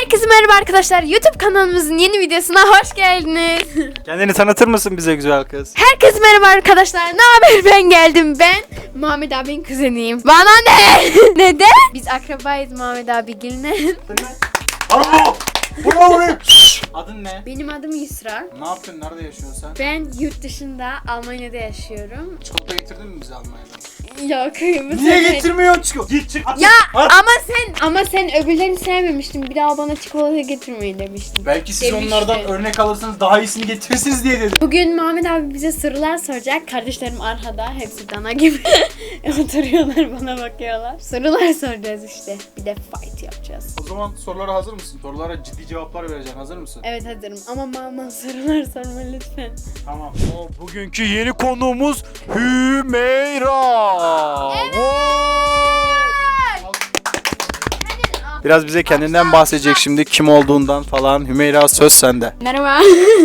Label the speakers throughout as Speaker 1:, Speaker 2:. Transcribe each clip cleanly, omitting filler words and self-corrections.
Speaker 1: Herkese merhaba arkadaşlar. YouTube kanalımızın yeni videosuna hoş geldiniz.
Speaker 2: Kendini tanıtır mısın bize güzel kız?
Speaker 1: Herkese merhaba arkadaşlar. Ne haber? Ben geldim. Ben Muhammed abinin kuzeniyim. Bana ne? Neden? Biz akrabayız Muhammed abiyle.
Speaker 2: Alo! Buraya! Adın ne?
Speaker 1: Benim adım Yusra.
Speaker 2: Ne yapıyorsun? Nerede yaşıyorsun sen?
Speaker 1: Ben yurt dışında Almanya'da yaşıyorum.
Speaker 2: Çikolata getirdin mi bize Almanya'dan?
Speaker 1: Yok, kıyımı
Speaker 2: Niye getirmiyorsun çikolata? Git çık.
Speaker 1: Ya ama sen öbürlerini sevmemiştin. Bir daha bana çikolata getirmeyi demiştin.
Speaker 2: Belki siz
Speaker 1: Demiştin.
Speaker 2: onlardan örnek alırsanız daha iyisini getirirsiniz diye dedim.
Speaker 1: Bugün Muhammed abi bize sorular soracak. Kardeşlerim arkada. Hepsi dana gibi oturuyorlar, bana bakıyorlar. Sorular soracağız işte. Bir de fight yapacağız.
Speaker 2: O zaman sorulara hazır mısın? Sorulara ciddi cevaplar vereceksin. Hazır mısın?
Speaker 1: Evet, hazırım ama mama sorular sorma lütfen.
Speaker 2: Tamam. Bugünkü yeni konuğumuz Hümeyra. Biraz bize kendinden bahsedecek şimdi, kim olduğundan falan. Hümeyra, söz sende.
Speaker 1: Merhaba.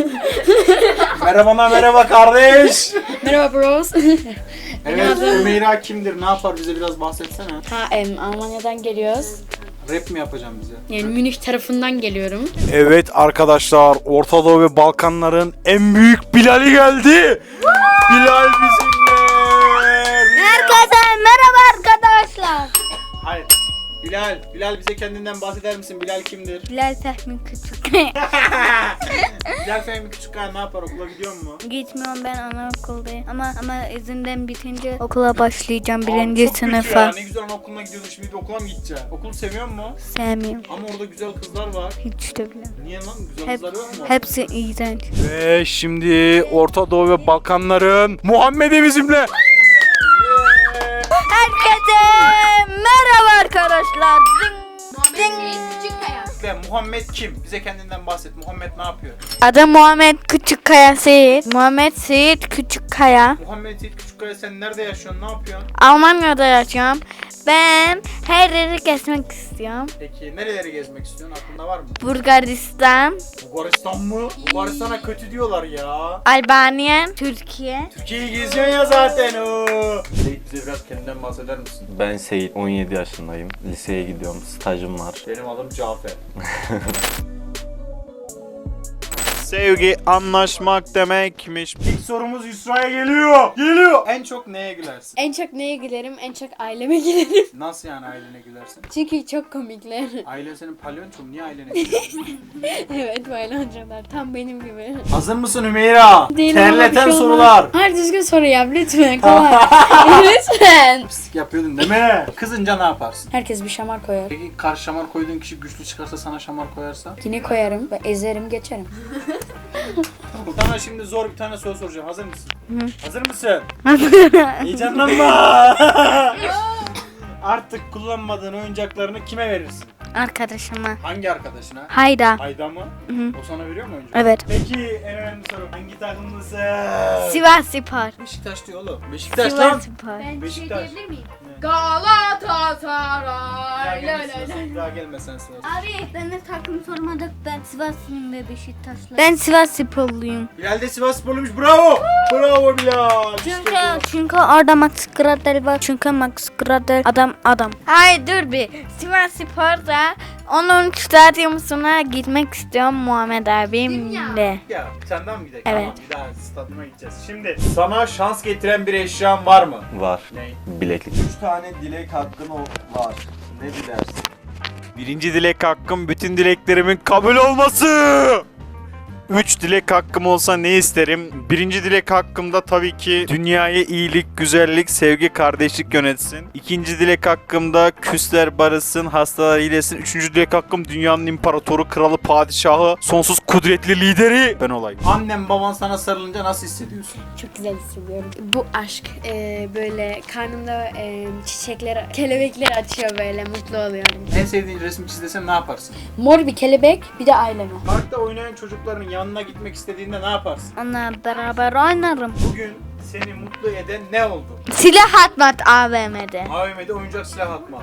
Speaker 2: Merhaba kardeş.
Speaker 1: Merhaba bros.
Speaker 2: Evet, Hümeyra kimdir? Ne yapar? Bize biraz bahsetsene.
Speaker 1: Almanya'dan geliyoruz.
Speaker 2: Rap mi yapacağım bize?
Speaker 1: Yani Münih tarafından geliyorum.
Speaker 2: Evet arkadaşlar, Orta Doğu ve Balkanların en büyük Bilal'i geldi. Bilal bizimle.
Speaker 3: Herkese merhaba arkadaşlar.
Speaker 2: Hayır. Bilal bize kendinden bahseder misin? Bilal kimdir?
Speaker 3: Bilal Fehmi Küçük.
Speaker 2: Bilal Fehmi Küçükkaya ne yapar? Okula gidiyor mu?
Speaker 3: Gitmiyorum, ben anaokuldayım. Ama izinden bitince okula başlayacağım
Speaker 2: Aa,
Speaker 3: birinci
Speaker 2: çok kötü
Speaker 3: sınıfa.
Speaker 2: ya. Ne güzel anaokuluna gidiyordun, şimdi de okula mı gideceksin? Okulu seviyor musun?
Speaker 3: Sevmiyorum.
Speaker 2: Ama orada güzel kızlar var.
Speaker 3: Hiç de bile.
Speaker 2: Niye lan? Güzel kızlar yok mu?
Speaker 3: Hepsi iğrenç.
Speaker 2: Ve şimdi Orta Doğu ve Balkanların Muhammed'i bizimle.
Speaker 3: Herkese merhaba arkadaşlar.
Speaker 2: Ve Muhammed kim? Bize kendinden bahset. Muhammed ne yapıyor?
Speaker 3: Adım Muhammed Küçükkaya Seyit. Muhammed Seyit Küçükkaya.
Speaker 2: Muhammed Seyit Küçükkaya, sen nerede yaşıyorsun? Ne yapıyorsun?
Speaker 3: Almanya'da yaşıyorum. Ben her yeri gezmek istiyorum.
Speaker 2: Peki nereleri gezmek istiyorsun? Aklında var mı?
Speaker 3: Bulgaristan,
Speaker 2: Bulgaristan mı? Bulgaristan'a kötü diyorlar ya.
Speaker 3: Albanya, Türkiye.
Speaker 2: Türkiye'yi geziyorsun ya zaten o. Seyit, bize biraz kendinden bahseder misin?
Speaker 4: Ben Seyit, 17 yaşındayım. Liseye gidiyorum, stajım var.
Speaker 2: Benim adım Cafer. Sevgi anlaşmak demekmiş. İlk sorumuz Yusra'ya geliyor. En çok neye gülersin?
Speaker 1: En çok neye gülerim? En çok aileme gülerim.
Speaker 2: Nasıl yani ailene gülersin?
Speaker 1: Çünkü çok komikler.
Speaker 2: Ailen senin palyonço mu? Niye ailene gülersin?
Speaker 1: Evet, baylancalar. Tam benim gibi.
Speaker 2: Hazır mısın Hümeyra?
Speaker 1: Değilim ama bir
Speaker 2: Terleten
Speaker 1: şey olmaz.
Speaker 2: sorular.
Speaker 1: Hayır, düzgün soru yap lütfen. Kolay. Lütfen.
Speaker 2: Pislik yapıyordun değil mi? Kızınca ne yaparsın?
Speaker 1: Herkes bir şamar koyar.
Speaker 2: Peki karşı şamar koyduğun kişi güçlü çıkarsa, sana şamar koyarsa?
Speaker 1: Yine koyarım ve ezerim geçerim.
Speaker 2: Sana şimdi zor bir tane soru soracağım. Hazır mısın? Hazır mısın? Heyecanlanma. Artık kullanmadığın oyuncaklarını kime verirsin?
Speaker 3: Arkadaşıma.
Speaker 2: Hangi arkadaşına?
Speaker 3: Hayda.
Speaker 2: Ayda mı? O sana veriyor mu oyuncak?
Speaker 3: Evet.
Speaker 2: Peki en önemli soru. Hangi takımlısın?
Speaker 3: Sivas Spor.
Speaker 2: Beşiktaş diyor oğlum. Beşiktaş lan.
Speaker 3: Sivas Spor.
Speaker 2: Beşiktaş.
Speaker 1: miyim?
Speaker 2: Ne?
Speaker 1: Galatasaray.
Speaker 2: Daha gelmesen Sivas.
Speaker 3: Abi ben de takım sormadık, ben Sivaslıyım ve Beşiktaşlı. Ben Sivas Sporluyum.
Speaker 2: Bilal de Sivas sporluymuş. Bravo. Bravo Bilal. İşte
Speaker 3: Çünkü orada Max Gradel var. Çünkü Max Gradel adam. Hayır dur bir. Sivas Spor'da onun stadyumuna gitmek istiyorum Muhammed abimle.
Speaker 2: ya senden mi gidelim?
Speaker 3: Evet.
Speaker 2: Tamam, bir daha stadyuma gideceğiz. Şimdi sana şans getiren bir eşyan var mı?
Speaker 4: Var.
Speaker 2: Ne?
Speaker 4: Bileklik.
Speaker 5: 3 tane dilek hakkın var. Ne dilersin?
Speaker 2: Birinci dilek hakkım bütün dileklerimin kabul olması. 3 dilek hakkım olsa ne isterim? Birinci dilek hakkımda tabii ki dünyaya iyilik, güzellik, sevgi, kardeşlik yönetsin. İkinci dilek hakkımda küsler barışsın, hastalar iyileşsin. Üçüncü dilek hakkım dünyanın imparatoru, kralı, padişahı, sonsuz kudretli lideri ben olayım. Annem baban sana sarılınca nasıl hissediyorsun?
Speaker 1: Çok güzel hissediyorum. Bu aşk böyle karnımda çiçekler, kelebekler açıyor, böyle mutlu oluyorum.
Speaker 2: En sevdiğin resmi çiz desem ne yaparsın?
Speaker 1: Mor bir kelebek, bir de aileme.
Speaker 2: Parkta oynayan çocukların yanına gitmek istediğinde ne yaparsın?
Speaker 3: Onunla beraber oynarım.
Speaker 2: Bugün seni mutlu eden ne oldu?
Speaker 3: Silah atmat AVM'de.
Speaker 2: AVM'de oyuncak silah atma.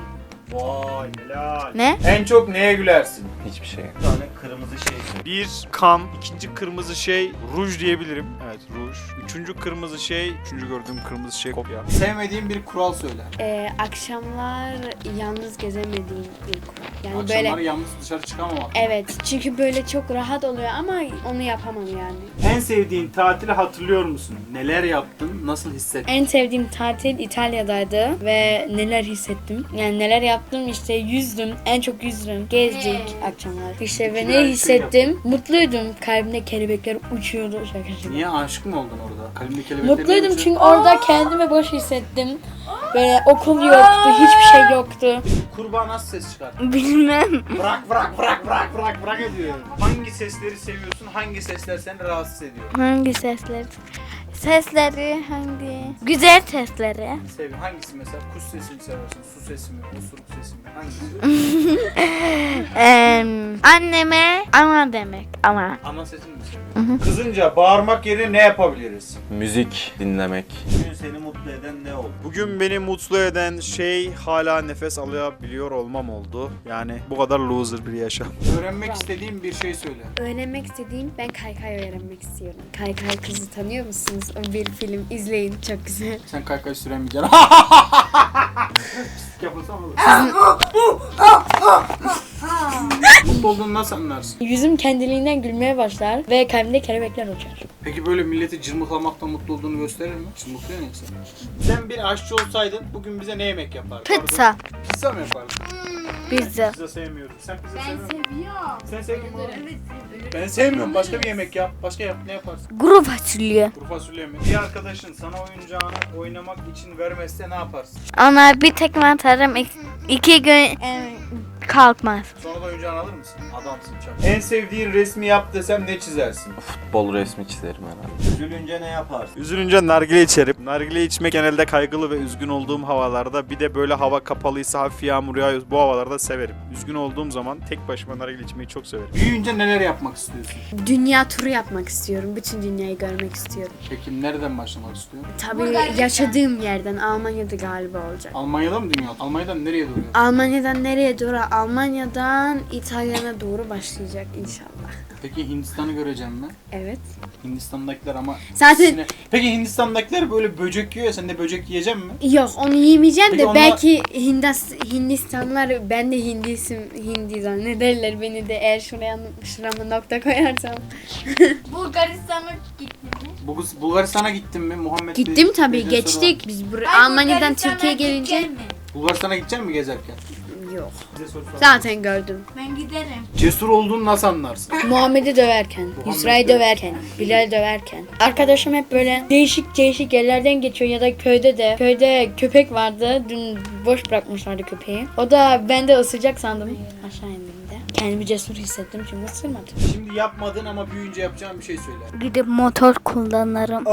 Speaker 2: Vay helal.
Speaker 3: Ne?
Speaker 2: En çok neye gülersin?
Speaker 4: Hiçbir şey.
Speaker 5: Bir tane kırmızı şey söyle.
Speaker 2: Bir kan, ikinci kırmızı şey ruj diyebilirim. Evet ruj. Üçüncü kırmızı şey, üçüncü gördüğüm kırmızı şey kopya.
Speaker 6: Sevmediğin bir kural söyle.
Speaker 1: Akşamlar yalnız gezemediğim bir kural. Yani
Speaker 6: Akşamları
Speaker 1: böyle
Speaker 6: yalnız dışarı çıkamamak.
Speaker 1: evet çünkü böyle çok rahat oluyor ama onu yapamam yani.
Speaker 6: En sevdiğin tatili hatırlıyor musun? Neler yaptın? Nasıl hissettin?
Speaker 1: En sevdiğim tatil İtalya'daydı ve neler hissettim. Yani neler yaptım işte yüzdüm. En çok yüzdüm. Gezdik akşamlar. İşte ve
Speaker 6: İki
Speaker 1: ne
Speaker 6: şey
Speaker 1: hissettim? Mutluydum. Kalbimde kelebekler uçuyordu. Şaka şaka.
Speaker 6: Niye aşık mı oldun orada? Kalbinde kelebekler
Speaker 1: Mutluydum çünkü orada kendimi boş hissettim. Böyle okul yoktu, hiçbir şey yoktu.
Speaker 6: Kurbağa nasıl ses çıkar?
Speaker 3: Bilmem.
Speaker 6: Bırak ediyor. Hangi sesleri seviyorsun? Hangi sesler seni rahatsız ediyor?
Speaker 3: Hangi sesler? Sesleri hangi? Güzel sesleri.
Speaker 6: Hangisi mesela? Kuş sesi mi seversin? Su sesi mi? Osuruk sesi mi? Hangisi?
Speaker 3: Anneme ama demek ama.
Speaker 6: Ana sesini mi seviyorsun?
Speaker 2: Kızınca bağırmak yerine ne yapabiliriz?
Speaker 4: Müzik dinlemek.
Speaker 5: Bugün seni mutlu eden ne oldu?
Speaker 2: Bugün beni mutlu eden şey hala nefes alabiliyor olmam oldu. Yani bu kadar loser bir yaşam.
Speaker 6: Öğrenmek istediğin bir şey söyle.
Speaker 1: Öğrenmek istediğim, ben kaykay öğrenmek istiyorum. Kaykay Kızı tanıyor musunuz? O bir film, izleyin, çok güzel.
Speaker 6: Sen kaykay süremeyeceksin. Yapılsam olur. Mutlu olduğunu nasıl anlarsın?
Speaker 1: Yüzüm kendiliğinden gülmeye başlar ve kalbimde kelebekler uçar.
Speaker 6: Peki böyle milleti cırmıklamaktan mutlu olduğunu gösterir mi? Cırmıklıyor neyse. Sen bir aşçı olsaydın bugün bize ne yemek yapardın?
Speaker 3: Pizza.
Speaker 6: Pizza mı yapardın?
Speaker 3: Pizza.
Speaker 6: Pizza sevmiyorum. Sen pizza seviyor musun? Sen sevmiyor musun? Ben sevmiyorum. Başka bir yemek yap. Başka yap. Ne yaparsın?
Speaker 3: Kuru fasulye.
Speaker 6: Kuru fasulye mi? Bir arkadaşın sana oyuncağını oynamak için vermezse ne yaparsın?
Speaker 3: Ona bir tekme atarım. 2 gün kalkmaz.
Speaker 6: Sonra da oyuncağını alır mısın? Adamsın çak.
Speaker 2: En sevdiğin resmi yap desem ne çizersin?
Speaker 4: Futbol resmi çizerim herhalde.
Speaker 5: Üzülünce ne yaparsın?
Speaker 2: Üzülünce nargile içerim. Nargile içmek genelde kaygılı ve üzgün olduğum havalarda. Bir de böyle hava kapalıysa hafif yağmur yağıyor. Bu havalarda severim. Üzgün olduğum zaman tek başıma nargile içmeyi çok severim.
Speaker 6: Büyüyünce neler yapmak istiyorsun?
Speaker 1: Dünya turu yapmak istiyorum. Bütün dünyayı görmek istiyorum.
Speaker 6: Peki nereden başlamak istiyorsun?
Speaker 1: Tabii yaşadığım yerden, Almanya'da galiba olacak.
Speaker 6: Almanya'da mı dünya? Almanya'dan nereye doğru?
Speaker 1: Almanya'dan nereye doğru? Almanya'dan İtalya'na doğru başlayacak inşallah.
Speaker 6: Peki Hindistan'ı göreceğim mi?
Speaker 1: Evet.
Speaker 6: Hindistan'dakiler ama...
Speaker 1: Zaten-
Speaker 6: Peki Hindistan'dakiler böyle böcek yiyor ya, sen de böcek yiyecek mi?
Speaker 1: Yok onu yemeyeceğim
Speaker 6: Peki
Speaker 1: de
Speaker 6: onlar-
Speaker 1: belki Hindistanlar ben de Hindi zannederler beni de eğer şurama nokta koyarsam.
Speaker 3: Bulgaristan'a gittin mi?
Speaker 6: Bulgaristan'a gittin mi? Muhammed
Speaker 1: Gittim
Speaker 6: Bey-
Speaker 1: tabii
Speaker 6: Bey'den
Speaker 1: geçtik. Biz Almanya'dan Türkiye'ye gelince
Speaker 6: Bulgaristan'a gidecek mi gezerken?
Speaker 1: yok.
Speaker 6: Bize soru sor.
Speaker 1: Zaten gördüm.
Speaker 3: Ben giderim.
Speaker 6: Cesur olduğunu nasıl anlarsın?
Speaker 1: Muhammed'i döverken, Yusra'yı döverken, Bilal döverken. Arkadaşım hep böyle değişik yerlerden geçiyor ya da köyde köpek vardı. Dün boş bırakmışlardı köpeği. O da ben de ısıracak sandım aşağı indiğimde. Kendimi cesur hissettim çünkü ısırmadım.
Speaker 6: Şimdi yapmadığın ama büyüyünce yapacağın bir şey söyle.
Speaker 3: Gidip motor kullanırım.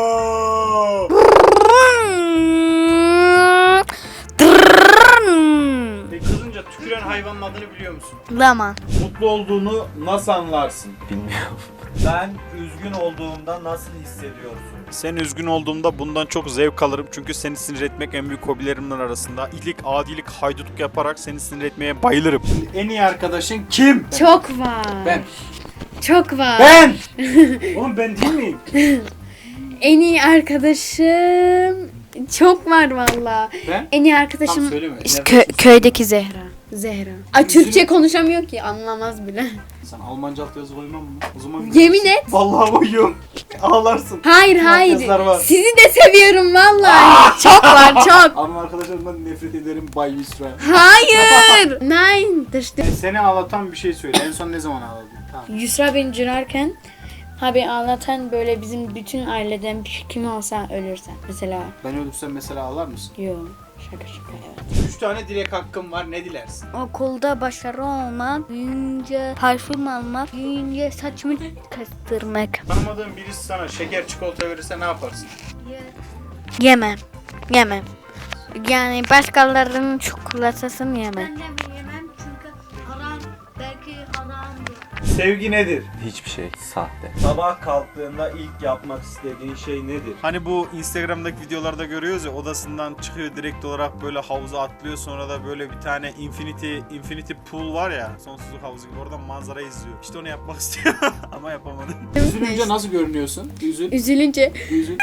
Speaker 6: Peki kızınca tüküren hayvanın adını biliyor musun?
Speaker 3: Lama.
Speaker 2: Mutlu olduğunu nasıl anlarsın?
Speaker 4: Bilmiyorum.
Speaker 5: Ben üzgün olduğumda nasıl hissediyorsun?
Speaker 2: Sen üzgün olduğumda bundan çok zevk alırım. Çünkü seni sinir etmek en büyük hobilerimden arasında. İyilik, adilik, haydutluk yaparak seni sinir etmeye bayılırım.
Speaker 6: En iyi arkadaşın kim?
Speaker 1: Çok var.
Speaker 6: Ben.
Speaker 1: Çok var.
Speaker 6: Ben! Oğlum ben değil miyim?
Speaker 1: En iyi arkadaşım çok var valla.
Speaker 6: Ben?
Speaker 1: En iyi
Speaker 6: Tam
Speaker 1: arkadaşım
Speaker 6: söyleme.
Speaker 1: işte
Speaker 6: Nerede-
Speaker 1: köydeki Zehra. Ay Türkçe konuşamıyor ki anlamaz bile.
Speaker 6: Sen Almanca altyazı koymam mı? O zaman
Speaker 1: Yemin et.
Speaker 6: Vallahi koyuyorum. Ağlarsın.
Speaker 1: Hayır
Speaker 6: Bütün
Speaker 1: hayır.
Speaker 6: altyazılar var.
Speaker 1: Sizi de seviyorum vallahi. Çok var çok.
Speaker 6: Ama arkadaşlarımdan nefret ederim Bay Yusra.
Speaker 1: Hayır. Nein. Dıştı.
Speaker 6: Seni ağlatan bir şey söyle. En son ne zaman ağladın? Tamam.
Speaker 1: Yusra beni cırarken abi ağlatan böyle bizim bütün aileden kim olsa ölürse. Mesela
Speaker 6: Ben ölürsem mesela ağlar mısın?
Speaker 1: yok. Şaka evet.
Speaker 6: 3 tane dilek hakkım var. Ne dilersin?
Speaker 3: Okulda başarı olmak, büyüyünce parfüm almak, büyüyünce saçımı kastırmak.
Speaker 6: Tanımadığın birisi sana şeker çikolata verirse ne yaparsın?
Speaker 3: Yemem. Yani başkalarının çikolatasını yemem.
Speaker 7: Ben de yemem çünkü haram, belki haramdır.
Speaker 2: Sevgi nedir?
Speaker 4: Hiçbir şey. Sahte.
Speaker 5: Sabah kalktığında ilk yapmak istediğin şey nedir?
Speaker 2: Hani bu Instagram'daki videolarda görüyoruz ya, odasından çıkıyor direkt olarak böyle havuza atlıyor, sonra da böyle bir tane infinity pool var ya, sonsuzluk havuzu gibi, oradan manzara izliyor. İşte onu yapmak istiyorum ama yapamadım.
Speaker 6: Üzülünce nasıl görünüyorsun?
Speaker 1: Üzülünce.
Speaker 6: Üzül.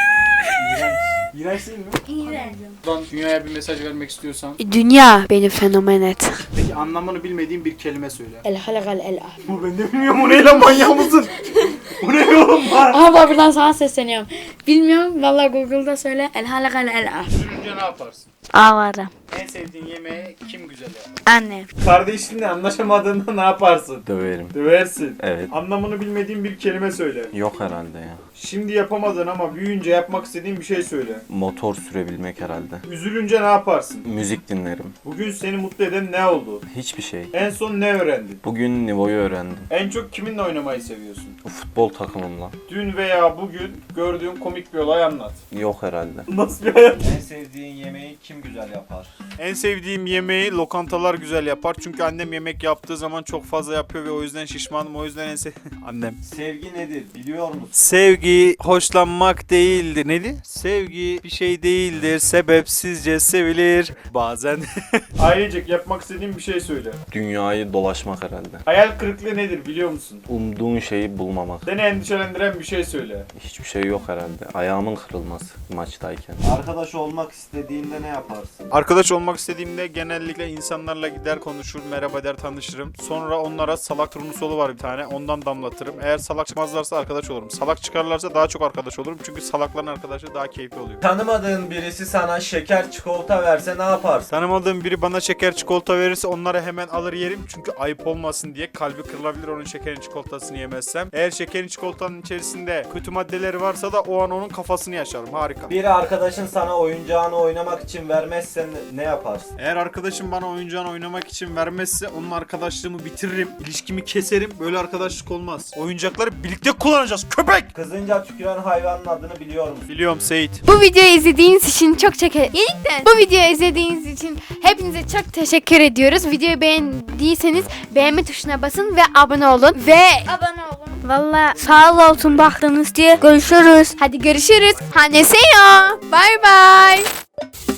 Speaker 6: İğrenç değil mi?
Speaker 1: İğrenç.
Speaker 6: Buradan dünyaya bir mesaj vermek istiyorsan.
Speaker 1: Dünya beni fenomen et.
Speaker 6: Peki anlamını bilmediğin bir kelime söyle.
Speaker 1: El halakal el ah.
Speaker 2: Bu ben de bilmiyorum, o ne lan, manyak mısın? Bu ne oğlum lan?
Speaker 1: Aha bak buradan sana sesleniyorum. Bilmiyorum vallahi Google'da söyle. El halakal el ah.
Speaker 6: Üzülünce ne yaparsın?
Speaker 3: Ağlarım.
Speaker 6: En sevdiğin yemeği kim güzel yapar?
Speaker 3: Annem.
Speaker 2: Kardeşinle anlaşamadığında ne yaparsın?
Speaker 4: Döverim.
Speaker 2: Döversin.
Speaker 4: Evet.
Speaker 2: Anlamını bilmediğin bir kelime söyle.
Speaker 4: Yok herhalde ya.
Speaker 2: Şimdi yapamadın ama büyüyünce yapmak istediğin bir şey söyle.
Speaker 4: Motor sürebilmek herhalde.
Speaker 2: Üzülünce ne yaparsın?
Speaker 4: Müzik dinlerim.
Speaker 2: Bugün seni mutlu eden ne oldu?
Speaker 4: Hiçbir şey.
Speaker 2: En son ne öğrendin?
Speaker 4: Bugün Nivo'yu öğrendim.
Speaker 2: En çok kiminle oynamayı seviyorsun?
Speaker 4: Futbol takımımla.
Speaker 2: Dün veya bugün gördüğün komik bir olay anlat.
Speaker 4: Yok herhalde.
Speaker 2: Nasıl bir hayat?
Speaker 5: En sevdiğin yemeği kim güzel yapar?
Speaker 2: En sevdiğim yemeği lokantalar güzel yapar. Çünkü annem yemek yaptığı zaman çok fazla yapıyor ve o yüzden şişmanım. O yüzden annem.
Speaker 5: Sevgi nedir biliyor musun?
Speaker 2: Sevgi hoşlanmak değildir. Neydi? Sevgi bir şey değildir. Sebepsizce sevilir. Bazen. Ailecek yapmak istediğin bir şey söyle.
Speaker 4: Dünyayı dolaşmak herhalde.
Speaker 2: Hayal kırıklığı nedir biliyor musun?
Speaker 4: Umduğun şeyi bulmamak.
Speaker 2: Seni endişelendiren bir şey söyle.
Speaker 4: Hiçbir şey yok herhalde. Ayağımın kırılması maçtayken.
Speaker 5: Arkadaş olmak istediğinde ne yaparsın?
Speaker 2: Arkadaş olmak istediğimde genellikle insanlarla gider konuşur, merhaba der, tanışırım. Sonra onlara salak turnusolu var bir tane, ondan damlatırım. Eğer salak çıkmazlarsa arkadaş olurum. Salak çıkarlarsa daha çok arkadaş olurum. Çünkü salakların arkadaşı daha keyifli oluyor.
Speaker 5: Tanımadığın birisi sana şeker çikolata verse ne yaparsın?
Speaker 2: Tanımadığım biri bana şeker çikolata verirse onları hemen alır yerim. Çünkü ayıp olmasın diye, kalbi kırılabilir onun şekerin çikolatasını yemezsem. Eğer şekerin çikolatanın içerisinde kötü maddeleri varsa da o an onun kafasını yaşarım. Harika.
Speaker 5: Bir arkadaşın sana oyuncağını oynamak için vermezsen ne yaparsın?
Speaker 2: Eğer arkadaşım bana oyuncağını oynamak için vermezse onun arkadaşlığımı bitiririm. İlişkimi keserim. Böyle arkadaşlık olmaz. Oyuncakları birlikte kullanacağız. Köpek!
Speaker 5: Kızınca tüküren hayvanın adını biliyor musun?
Speaker 2: Biliyorum Seyit.
Speaker 3: Bu videoyu izlediğiniz için çok Yeniden bu videoyu izlediğiniz için hepinize çok teşekkür ediyoruz. Videoyu beğendiyseniz beğenme tuşuna basın ve abone olun. Valla sağ olsun baktınız diye görüşürüz. Hadi görüşürüz. Haneseyo. Bye bye.